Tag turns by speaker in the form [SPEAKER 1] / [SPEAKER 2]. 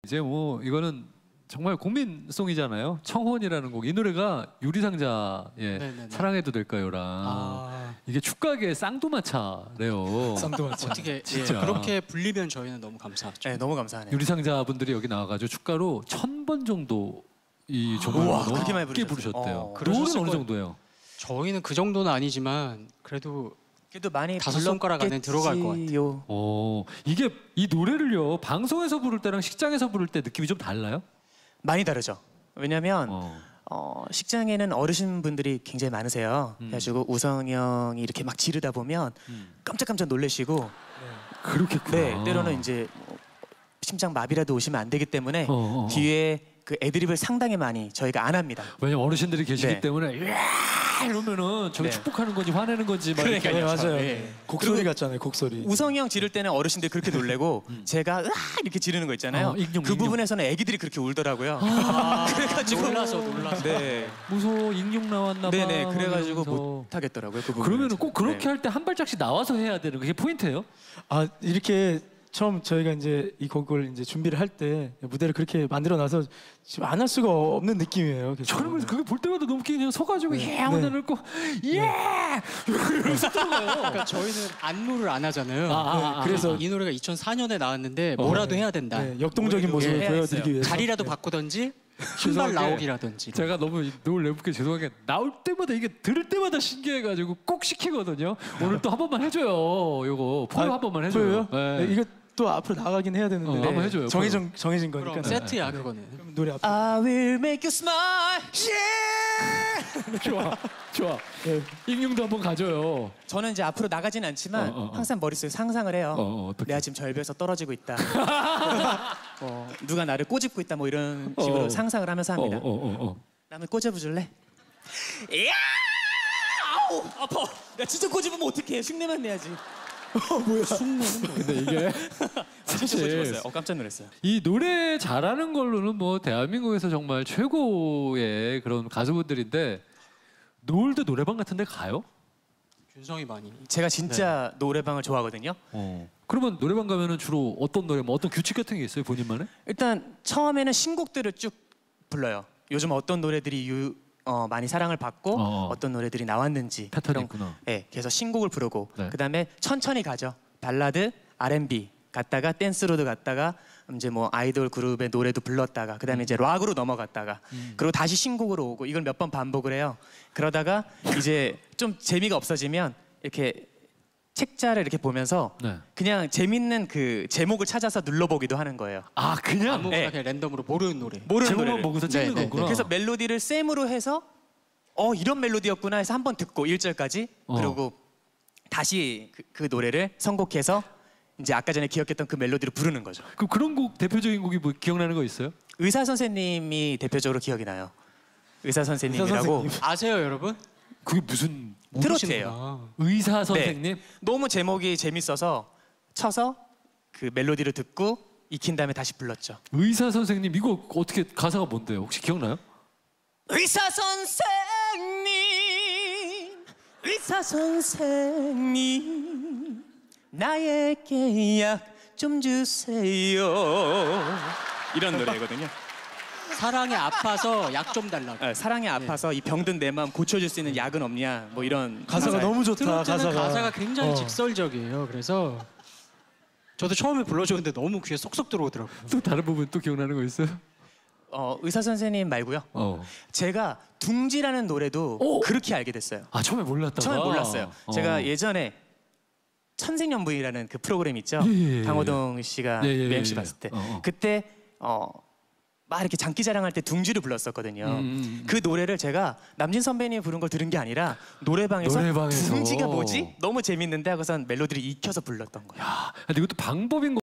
[SPEAKER 1] 이제 뭐 이거는 정말 국민송이잖아요. 청혼이라는 곡. 이 노래가 유리상자의 사랑해도 될까요랑 이게 축가계 쌍두마차래요.
[SPEAKER 2] 쌍두마차.
[SPEAKER 3] 어떻게
[SPEAKER 1] 진짜.
[SPEAKER 3] 그렇게 불리면 저희는 너무 감사하죠.
[SPEAKER 2] 네, 너무 감사하네요.
[SPEAKER 1] 유리상자 분들이 여기 나와가지고 축가로 1000번 정도 이 정말
[SPEAKER 2] 우와,
[SPEAKER 1] 너무
[SPEAKER 2] 그렇게 많이
[SPEAKER 1] 깊게
[SPEAKER 2] 부르셨어요.
[SPEAKER 1] 부르셨대요. 노래는
[SPEAKER 3] 그러셨을
[SPEAKER 1] 어느
[SPEAKER 3] 거예요.
[SPEAKER 1] 정도예요?
[SPEAKER 3] 저희는 그 정도는 아니지만 그래도
[SPEAKER 2] 많이
[SPEAKER 3] 5손가락 안에 들어갈 것 같아요.
[SPEAKER 1] 이게 이 노래를요 방송에서 부를 때랑 식장에서 부를 때 느낌이 좀 달라요?
[SPEAKER 2] 많이 다르죠. 왜냐면 식장에는 어르신분들이 굉장히 많으세요. 그래가지고 우성이 형이 이렇게 막 지르다 보면 깜짝깜짝 놀라시고
[SPEAKER 1] 그렇겠구나.
[SPEAKER 2] 네, 때로는 이제 뭐 심장 마비라도 오시면 안 되기 때문에 뒤에 그 애드립을 상당히 많이 저희가 안 합니다.
[SPEAKER 1] 왜냐면 어르신들이 계시기
[SPEAKER 2] 네.
[SPEAKER 1] 때문에 이야 이러면은 저기
[SPEAKER 2] 네.
[SPEAKER 1] 축복하는 건지 화내는 건지 막
[SPEAKER 2] 그러니까요.
[SPEAKER 1] 이렇게.
[SPEAKER 2] 맞아요.
[SPEAKER 4] 네. 곡소리 같잖아요, 곡소리.
[SPEAKER 2] 우성이 형 지를 때는 어르신들이 그렇게 놀래고 제가 으아 이렇게 지르는 거 있잖아요.
[SPEAKER 1] 익룡,
[SPEAKER 2] 그
[SPEAKER 1] 익룡.
[SPEAKER 2] 부분에서는 애기들이 그렇게 울더라고요. 그래가지고
[SPEAKER 3] 놀라서.
[SPEAKER 2] 네.
[SPEAKER 1] 무서워 익룡 나왔나 봐.
[SPEAKER 2] 네네.
[SPEAKER 1] 막
[SPEAKER 2] 그래가지고
[SPEAKER 1] 이러면서.
[SPEAKER 2] 못 하겠더라고요. 그 부분.
[SPEAKER 1] 그러면은 꼭 그렇게
[SPEAKER 2] 네.
[SPEAKER 1] 할 때 한 발짝씩 나와서 해야 되는 그게 포인트예요?
[SPEAKER 4] 아 이렇게 처음 저희가 이제 이 곡을 이제 준비를 할 때 무대를 그렇게 만들어놔서 지금 안 할 수가 없는 느낌이에요.
[SPEAKER 1] 저는 그래서 그게 볼 때마다 너무 그냥 서가지고 예 하고 넣고 예 이러면서 들어가요.
[SPEAKER 3] 그러니까 저희는 안무를 안 하잖아요.
[SPEAKER 4] 그래서
[SPEAKER 3] 이 노래가 2004년에 나왔는데 뭐라도 해야 된다.
[SPEAKER 4] 네, 역동적인 모습을
[SPEAKER 2] 예,
[SPEAKER 4] 보여드리기 위해서
[SPEAKER 3] 자리라도 바꾸던지 한 발
[SPEAKER 1] 죄송하게
[SPEAKER 3] 나오기라든지.
[SPEAKER 1] 제가 너무 노을 내붓게 죄송한 게 나올 때마다 이게 들을 때마다 신기해가지고 꼭 시키거든요. 오늘 또 한 번만 해줘요. 요거 포효 한 번만 해줘요.
[SPEAKER 4] 보여요? 네, 이거 또 앞으로 나가긴 해야 되는데
[SPEAKER 1] 한번 해줘요.
[SPEAKER 4] 정해진 거니까.
[SPEAKER 3] 그럼 세트야 그거는.
[SPEAKER 4] 그럼 노래 앞.
[SPEAKER 2] I will make you smile.
[SPEAKER 1] 좋아.
[SPEAKER 4] 네.
[SPEAKER 1] 익룡도 한번 가져요.
[SPEAKER 2] 저는 이제 앞으로 나가진 않지만 항상 머릿속에 상상을 해요.
[SPEAKER 1] 어떻게?
[SPEAKER 2] 내가 지금 절벽에서 떨어지고 있다. 누가 나를 꼬집고 있다. 뭐 이런 식으로 상상을 하면서 합니다. 나 한번 꼬집어줄래? 이야! 아우 아파. 나 진짜 꼬집으면 어떡해? 흉내만 내야지.
[SPEAKER 4] 뭐야?
[SPEAKER 1] 근데 이게
[SPEAKER 2] 사실
[SPEAKER 1] 사실
[SPEAKER 2] 깜짝 놀랐어요.
[SPEAKER 1] 이 노래 잘하는 걸로는 뭐 대한민국에서 정말 최고의 그런 가수분들인데 노을도 노래방 같은 데 가요?
[SPEAKER 3] 준성이 많이.
[SPEAKER 2] 제가 진짜 노래방을 좋아하거든요.
[SPEAKER 1] 그러면 노래방 가면은 주로 어떤 노래, 뭐 어떤 규칙 같은 게 있어요, 본인만의?
[SPEAKER 2] 일단 처음에는 신곡들을 쭉 불러요. 요즘 어떤 노래들이 많이 사랑을 받고 어떤 노래들이 나왔는지
[SPEAKER 1] 패턴이 있구나.
[SPEAKER 2] 네, 그래서 신곡을 부르고
[SPEAKER 1] 네.
[SPEAKER 2] 그다음에 천천히 가죠. 발라드, R&B 갔다가 댄스로도 갔다가 이제 뭐 아이돌 그룹의 노래도 불렀다가 그다음에 이제 락으로 넘어갔다가 그리고 다시 신곡으로 오고 이걸 몇 번 반복을 해요. 그러다가 이제 좀 재미가 없어지면 이렇게 책자를 이렇게 보면서
[SPEAKER 1] 네.
[SPEAKER 2] 그냥 재밌는 그 제목을 찾아서 눌러보기도 하는 거예요.
[SPEAKER 1] 아, 그냥
[SPEAKER 3] 아무거나
[SPEAKER 2] 네.
[SPEAKER 3] 그냥 랜덤으로 모르는 노래.
[SPEAKER 2] 모르는
[SPEAKER 1] 제목만
[SPEAKER 2] 노래를.
[SPEAKER 1] 보고서 찍는
[SPEAKER 3] 네, 네,
[SPEAKER 1] 거구나.
[SPEAKER 2] 그래서 멜로디를 셈으로 해서 이런 멜로디였구나 해서 한번 듣고 1절까지 그리고 다시 그 노래를 선곡해서 이제 아까 전에 기억했던 그 멜로디를 부르는 거죠.
[SPEAKER 1] 그럼 그런 곡 대표적인 곡이 뭐 기억나는 거 있어요?
[SPEAKER 2] 의사 선생님이 대표적으로 기억이 나요. 의사 선생님이라고
[SPEAKER 4] 선생님.
[SPEAKER 3] 아세요 여러분?
[SPEAKER 1] 그게 무슨
[SPEAKER 2] 트로트예요.
[SPEAKER 3] 모르시는구나.
[SPEAKER 1] 의사 선생님?
[SPEAKER 2] 너무 제목이 재밌어서 쳐서 그 멜로디를 듣고 익힌 다음에 다시 불렀죠.
[SPEAKER 1] 의사 선생님 이거 어떻게 가사가 뭔데요? 혹시 기억나요?
[SPEAKER 2] 의사 선생님 나에게 약 좀 주세요. 이런 노래거든요.
[SPEAKER 3] 사랑에 아파서 약 좀 달라고.
[SPEAKER 2] 사랑에 아파서 이 병든 내 마음 고쳐줄 수 있는 약은 없냐 뭐 이런
[SPEAKER 4] 가사가 너무 좋다.
[SPEAKER 3] 트로트는 가사가 굉장히
[SPEAKER 4] 어.
[SPEAKER 3] 직설적이에요. 그래서 저도 처음에 불러줬는데 너무 귀에 쏙쏙 들어오더라고요.
[SPEAKER 1] 또 다른 부분 또 기억나는 거 있어요?
[SPEAKER 2] 의사 선생님 말고요. 제가 둥지라는 노래도 그렇게 알게 됐어요.
[SPEAKER 1] 아, 처음에 몰랐다가?
[SPEAKER 2] 처음에 몰랐어요. 제가 예전에 천생연분이라는 그 프로그램 있죠.
[SPEAKER 1] 예.
[SPEAKER 2] 강호동 씨가 MC 봤을 때 그때 막 이렇게 장기 자랑할 때 둥지를 불렀었거든요. 그 노래를 제가 남진 선배님이 부른 걸 들은 게 아니라 노래방에서 둥지가 뭐지? 너무 재밌는데 하고선 멜로디를 익혀서 불렀던 거예요.
[SPEAKER 1] 야, 근데 이것도 방법인 거.